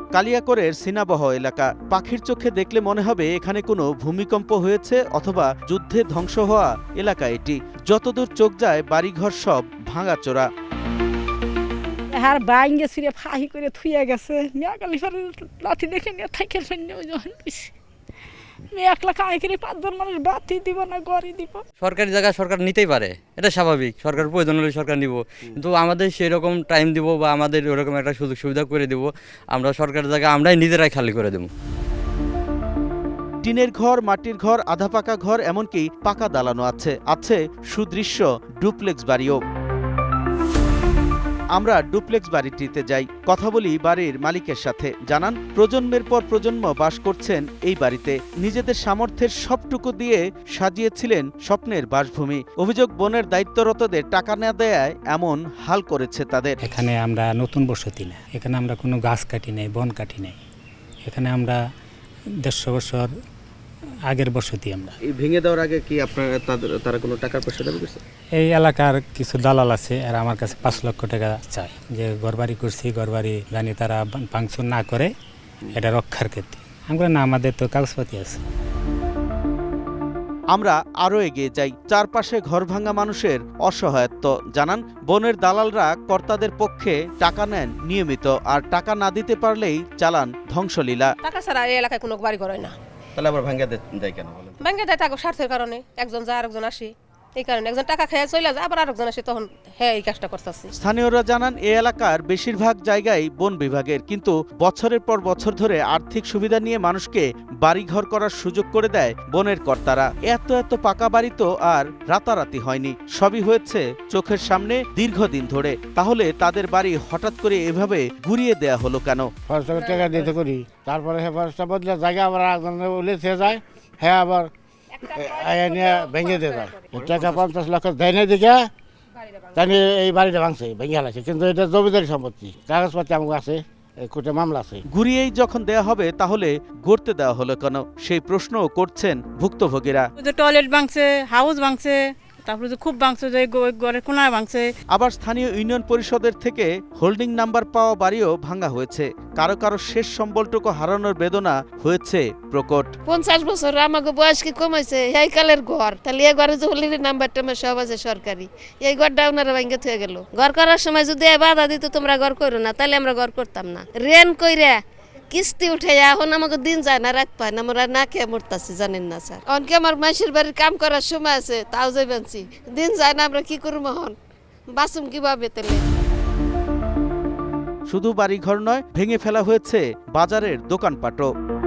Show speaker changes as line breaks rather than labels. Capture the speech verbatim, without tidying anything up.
কালিয়াকৈরের সিনাবহ এলাকা। পাখির চোখে দেখলে মনে হবে এখানে কোনো ভূমিকম্প হয়েছে অথবা যুদ্ধে ধ্বংস হওয়া এলাকা এটি। যতদূর চোখ যায় বাড়িঘর সব ভাঙাচোরা।
আর বাইঙ্গে ছিঁড়ে ফাহি করে থুয়ে গেছে। মেয়াকালি ফের লাঠি দেখে নিয়ে থাইকেল ফেলে ওই যখন মেয়ে এক লাখ আয় করে পাঁচজন মানুষ বাতি দিব না গড়ি দিব।
সরকারি জায়গা সরকার নিতেই পারে, এটা স্বাভাবিক। সরকার প্রয়োজন হলে সরকার নিব, কিন্তু আমাদের সেই রকম টাইম দিব বা আমাদের ওরকম একটা সুযোগ সুবিধা করে দিব, আমরা সরকারি জায়গা আমরাই নিজেরাই খালি করে দেব।
টিনের ঘর, মাটির ঘর, আধা পাকা ঘর, এমনকি পাকা দালানো আছে। আছে সুদৃশ্য ডুপ্লেক্স বাড়িও। আমরা ডুপ্লেক্স বাড়িটিতে যাই, কথা বলি বাড়ির মালিকের সাথে। জানান প্রজন্মের পর প্রজন্ম বাস করছেন এই বাড়িতে। নিজেদের সামর্থ্যের সবটুকু দিয়ে সাজিয়েছিলেন স্বপ্নের বাসভূমি। অভিযোগ বনের দায়িত্বরতদের টাকা না দেয়ায় এমন হাল করেছে তাদের।
এখানে আমরা নতুন বসতি না, এখানে আমরা কোনো গাছ কাটি নাই, বন কাটি নাই। এখানে আমরা দেড়শো বছর আগের বসতি। আমরা
এই ভেঙে দেওয়ার আগে কি আপনারা তারা কোনো টাকার পয়সা দাবি করছে?
এই এলাকার কিছু দালাল আছে, আর আমার কাছে পাঁচ লক্ষ টাকা চাই যে ঘরবাড়ি করছি, ঘরবাড়ি জানি তারা ভাঙচুর না করে এটা রক্ষার ক্ষেত্রে। আমরা না, আমাদের তো কাগজপাতি আছে।
আমরা আরও এগিয়ে যাই। চারপাশে ঘরভাঙা মানুষের অসহায়ত্ব। জানান বনের দালালরা কর্তাদের পক্ষে টাকা নেন নিয়মিত, আর টাকা না দিতে পারলেই চালান ধ্বংসলীলা।
টাকা ছাড়া এই এলাকায় কোনো বাড়ি ঘর হয় না।
তাহলে আবার ভাঙ্গা দেয় কেন বলেন?
ভাঙ্গা দেয় টাকা স্বার্থের কারণে। একজন যায় আরেকজন আসে, এই কারণে একজন টাকা খেয়ে চলে যায়, আবার আরেকজন আসে, তখন হ্যাঁ এই কাজটা করতেছে।
স্থানীয়রা জানান এই এলাকার বেশিরভাগ জায়গায় বন বিভাগের, কিন্তু বছরের পর বছর ধরে আর্থিক সুবিধা নিয়ে মানুষকে বাড়িঘর করার সুযোগ করে দেয় বনের কর্তারা। এত এত পাকা বাড়ি তো আর রাতারাতি হয়নি, সবই হয়েছে চোখের সামনে দীর্ঘদিন ধরে। তাহলে তাদের বাড়ি হঠাৎ করে এভাবে ঘুরিয়ে দেয়া হলো কেন?
টাকা দিতে করি, তারপরে বদলে জায়গা আবার উলেছে যায়, হ্যাঁ আবার ভেঙে দিয়ে যায়। টাকা পঞ্চাশ লক্ষ দেয় না দিকে তাই এই বাড়িটা ভাঙছে, ভেঙে হালাইছে। কিন্তু এটা জমিদারি সম্পত্তি, কাগজপত্র আমার আছে, কোর্টে মামলা আছে।
ঘুরিয়েই যখন দেয়া হবে তাহলে গড়তে দেওয়া হলো কেন, সেই প্রশ্নও করছেন ভুক্তভোগীরা।
টয়লেট ভাঙছে, হাউস ভাঙছে, তারপরে যে খুব ভাঙছে, যে ঘরের কোনায় ভাঙছে।
আবার স্থানীয় ইউনিয়ন পরিষদের থেকে হোল্ডিং নাম্বার পাওয়া বাড়িও ভাঙা হয়েছে। কারো কারো শেষ সম্বলটুকু হারানোর বেদনা হয়েছে প্রকট।
পঞ্চাশ বছর আমাকে বয়স কি কমাইছে, এই কালের ঘর, তাহলে এই ঘরে যে হোল্ডিং নাম্বার টাম্বার সব আছে সরকারি, এই ঘরটা ওনারা ভাঙে থয়ে গেল। ঘর করার সময় যদি বাধা দিত তোমরা ঘর করো না, তাহলে আমরা ঘর করতাম না। রেন কইরা কিস্তি উঠে এখন আমাকে দিন যায় না, রাত পায় না, আমরা না খেয়ে মরতাছি, জানেন না স্যার। অনকে আমার মাসির বাড়ির কাম করার সময় আছে, তাও যাই বাঁচি, দিন যায় না, আমরা কি করবো হন, বাঁচুম কিভাবে? তাহলে
শুধু বাড়িঘর নয়, ভেঙে ফেলা হয়েছে বাজারের দোকানপাটও।